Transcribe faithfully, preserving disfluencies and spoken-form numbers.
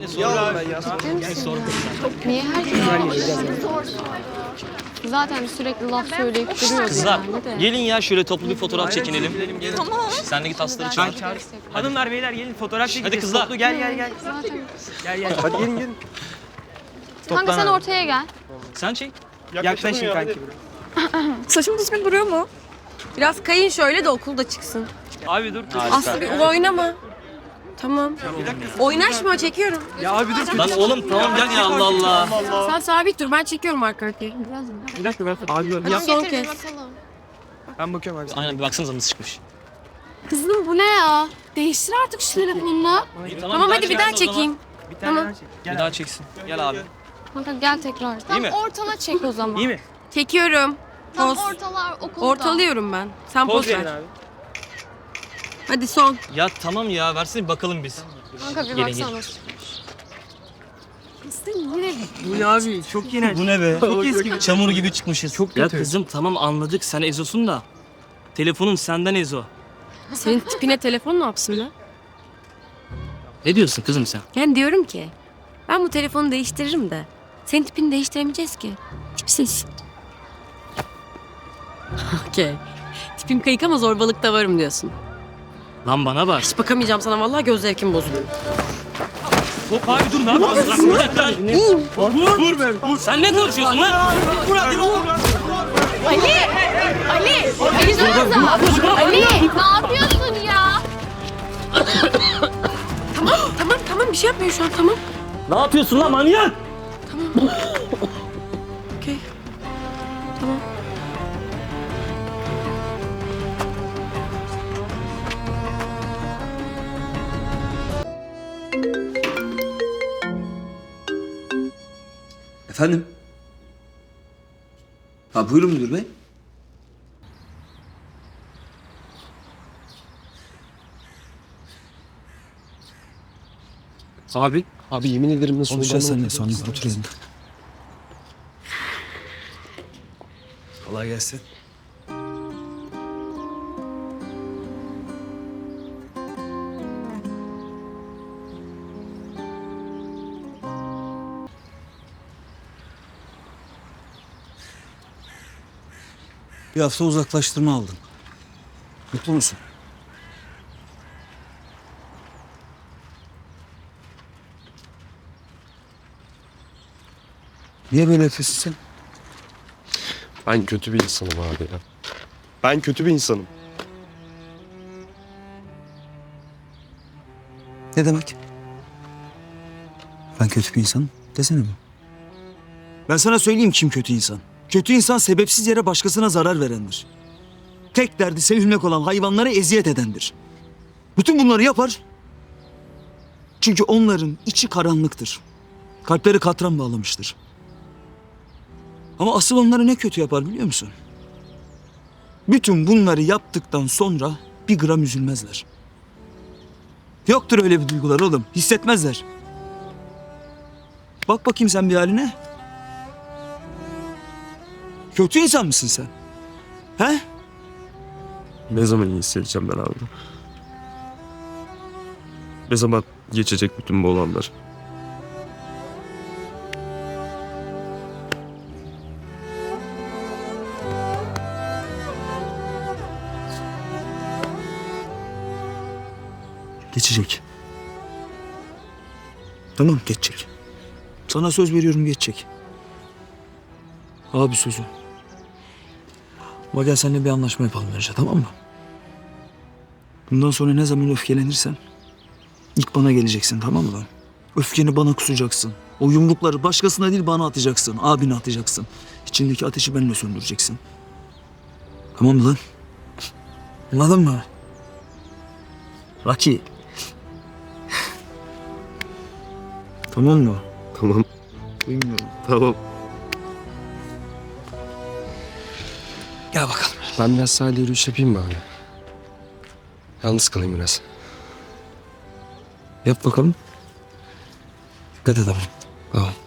sorma ben ya. Ciddi misin ya? Niye herkes zaten sürekli laf söyleyip duruyordu Kızlar yani de. gelin ya şöyle toplu bir fotoğraf çekinelim. Tamam. Sen de git asları çağır. Hanımlar beyler gelin fotoğraf çekeceğiz. Hadi kızlar. Toplu, gel gel gel. Zaten. Gel gel. Hadi gelin gelin. Kanka sen ortaya gel. Sen çek. Yaklaşın kanki. Saçım düzgün duruyor mu? Biraz kayın şöyle de okulda çıksın. Abi dur. Aslı bir oynama. Tamam. Oynaşma, çekiyorum. Ya abi dur. Lan oğlum tamam gel ya Allah Allah. Sen sabit dur, ben çekiyorum arka arkaya. Bir dakika ben abi dur. Hadi son kez. Ben bakıyorum abi. Aynen bir baksanıza nasıl çıkmış. Kızım bu ne ya? Değiştir artık şu telefonunu. Tamam hadi bir daha çekeyim. Bir tane Tamam. daha çek. Gel Bir daha çeksin. Gel abi. Kanka gel tekrar. Tam mi? ortala çek o zaman. İyi mi? Çekiyorum. Tam Poz. ortalar okulda. Ortalıyorum ben. Sen Poz poz verin ver. abi. Hadi son. Ya tamam ya versene bir bakalım biz. Kanka bir Gelin, baksana. Bu ne abi? Çok iğrenç. Bu ne be? Çok eski. Çamur gibi çıkmışız. Çok Ya kötü. kızım tamam anladık sen Ezo'sun da. Telefonun senden Ezo. Senin tipine telefon ne yapsın lan? Ne diyorsun kızım sen? Yani diyorum ki ben bu telefonu değiştiririm de senin tipini değiştiremeyeceğiz ki. Tipsiz. Okey. Tipim kayık ama zorbalıkta varım diyorsun. Lan bana bak. Hiç bakamayacağım sana, vallahi göz zevkim bozuluyor. Hop abi dur ne yapıyorsun? Lan bir dakika. Vur. Vur be. Vur. Sen ne konuşuyorsun lan? Vur hadi vur. Ali! Ali! Ali dursanıza! Ali! Ne yapıyorsun ya? Tamam tamam tamam, bir şey yapmıyor şu an, tamam. Ne yapıyorsun lan manyak? Okey. Tamam. Efendim? Ha buyurun müdür bey. Abi, abi yemin ederim nasıl Konuşacağız olduğunu seninle sonra. unuttum. Otur yerine. Kolay gelsin. Bir hafta uzaklaştırma aldın. Mutlu musun? Niye böyle yapıyorsun sen? Ben kötü bir insanım abi ya. Ben kötü bir insanım. Ne demek? Ben kötü bir insanım. Desene mi? Ben sana söyleyeyim kim kötü insan. Kötü insan sebepsiz yere başkasına zarar verendir. Tek derdi sevilmek olan hayvanlara eziyet edendir. Bütün bunları yapar. Çünkü onların içi karanlıktır. Kalpleri katran bağlamıştır. Ama asıl onları ne kötü yapar biliyor musun? Bütün bunları yaptıktan sonra bir gram üzülmezler. Yoktur öyle bir duygular oğlum. Hissetmezler. Bak bakayım sen bir haline. Kötü insan mısın sen? He? Ne zaman iyi hissedeceğim ben abi? Ne zaman geçecek bütün bu olanlar? Geçecek. Tamam geçecek. Sana söz veriyorum geçecek. Abi sözü. Ama gel seninle bir anlaşma yapalım önce, tamam mı? Bundan sonra ne zaman öfkelenirsen ilk bana geleceksin, tamam mı lan? Öfkeni bana kusacaksın. O yumrukları başkasına değil bana atacaksın. Abine atacaksın. İçindeki ateşi benimle söndüreceksin. Tamam mı lan? Anladın mı? Rocky. Tamam mı? Tamam, Bilmiyorum. tamam. Gel bakalım. Ben biraz sahilde yürüyüş yapayım mı abi? Yalnız kalayım biraz. Yap bakalım. Dikkat et ama. Tamam.